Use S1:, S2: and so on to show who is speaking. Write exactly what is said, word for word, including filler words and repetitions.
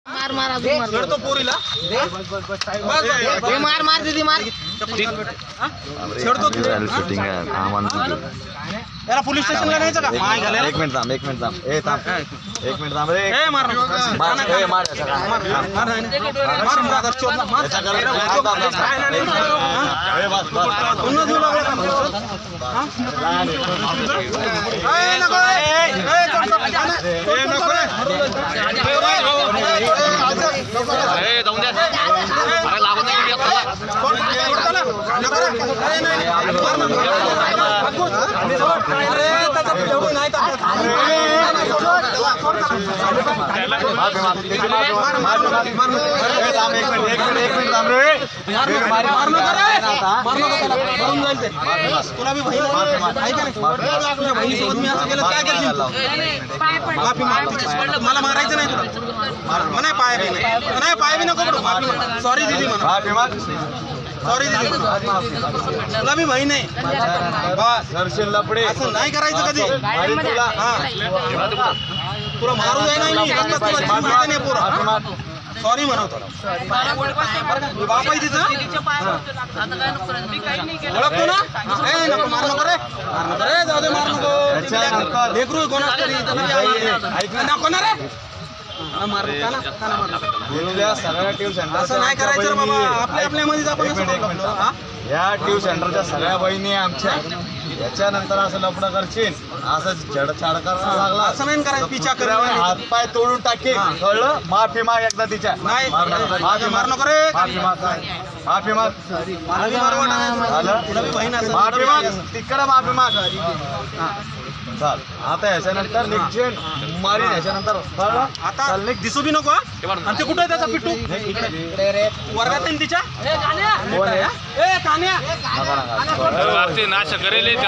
S1: मार मार अजून मार
S2: छेडतो पोरीला
S1: हे मार मार दीदी मार
S2: छेडतो तू
S3: शूटिंग आहे आम्हाला
S2: याला पोलीस स्टेशनला न्यायचं का माय घालायला
S3: एक मिनिट थांब एक मिनिट थांब ए थांब एक मिनिट थांब रे
S2: ए मार
S3: मार ए मार याचा काय
S2: मार मार मार ब्रदर चोदला मार
S3: याचा काय ए बस बस
S2: पुन्हा देऊ लागला का हा ए नको ए ए नको रे
S4: ए जाऊन द्या अरे लागून नाही गेली आता
S2: नको रे ए नाही अरे त्याचा एवढं नाही तर तुला मी बहीण आहे का नाही तुझ्या बहिणीसोबत मी असं केलं काय केलं माफी माग मला मारायचं नाही तुला नाही पाय बी नाही नाही पाय बी नको पडू माफी सॉरी दीदी म्हणा सॉरी दीदी तुला मी बहीण आहे बस
S3: लपडे
S2: असं नाही करायचं कधी हा तुला मारू जाय नाही मी रस्त्यात तुला जीव घेते नाही पोरं सॉरी म्हणतो बाप आहे तिचं ओळखतो ना ए नको मार नको रे मार नको रे जाऊ दे मार नको लेकरू कोणाच तरी नको ना रे मार का ना का ना मार
S3: सगळ्या ट्यूब सेंटर
S2: असं नाही करायचं रे बाबा आपल्या आपल्या मध्ये आपण
S3: या ट्यूब सेंटरच्या सगळ्या बहिणी आमच्या याच्यानंतर असं लफडं करशील असं छेडछाड करायला लागला
S2: असं नाही करायचं पिछा कर
S3: हातपाय तोडून टाकेल कळलं माफी माग एकदा तिच्या
S2: नाही
S3: माफी
S2: मार नको रे
S3: माफी माग माफी माग
S2: मला बी मारू वाटत तुला बी बहीण असेल
S3: माफी माग तिकडं माफी माग चाल आता याच्यानंतर निघशील मारीन याच्यानंतर कळलं
S2: आता दिसू बी नको आणि ते कुठे आहे त्याचा पिट्टू वर्गात आहे तिच्या ए कान्या
S3: नका नका
S4: नाश करेल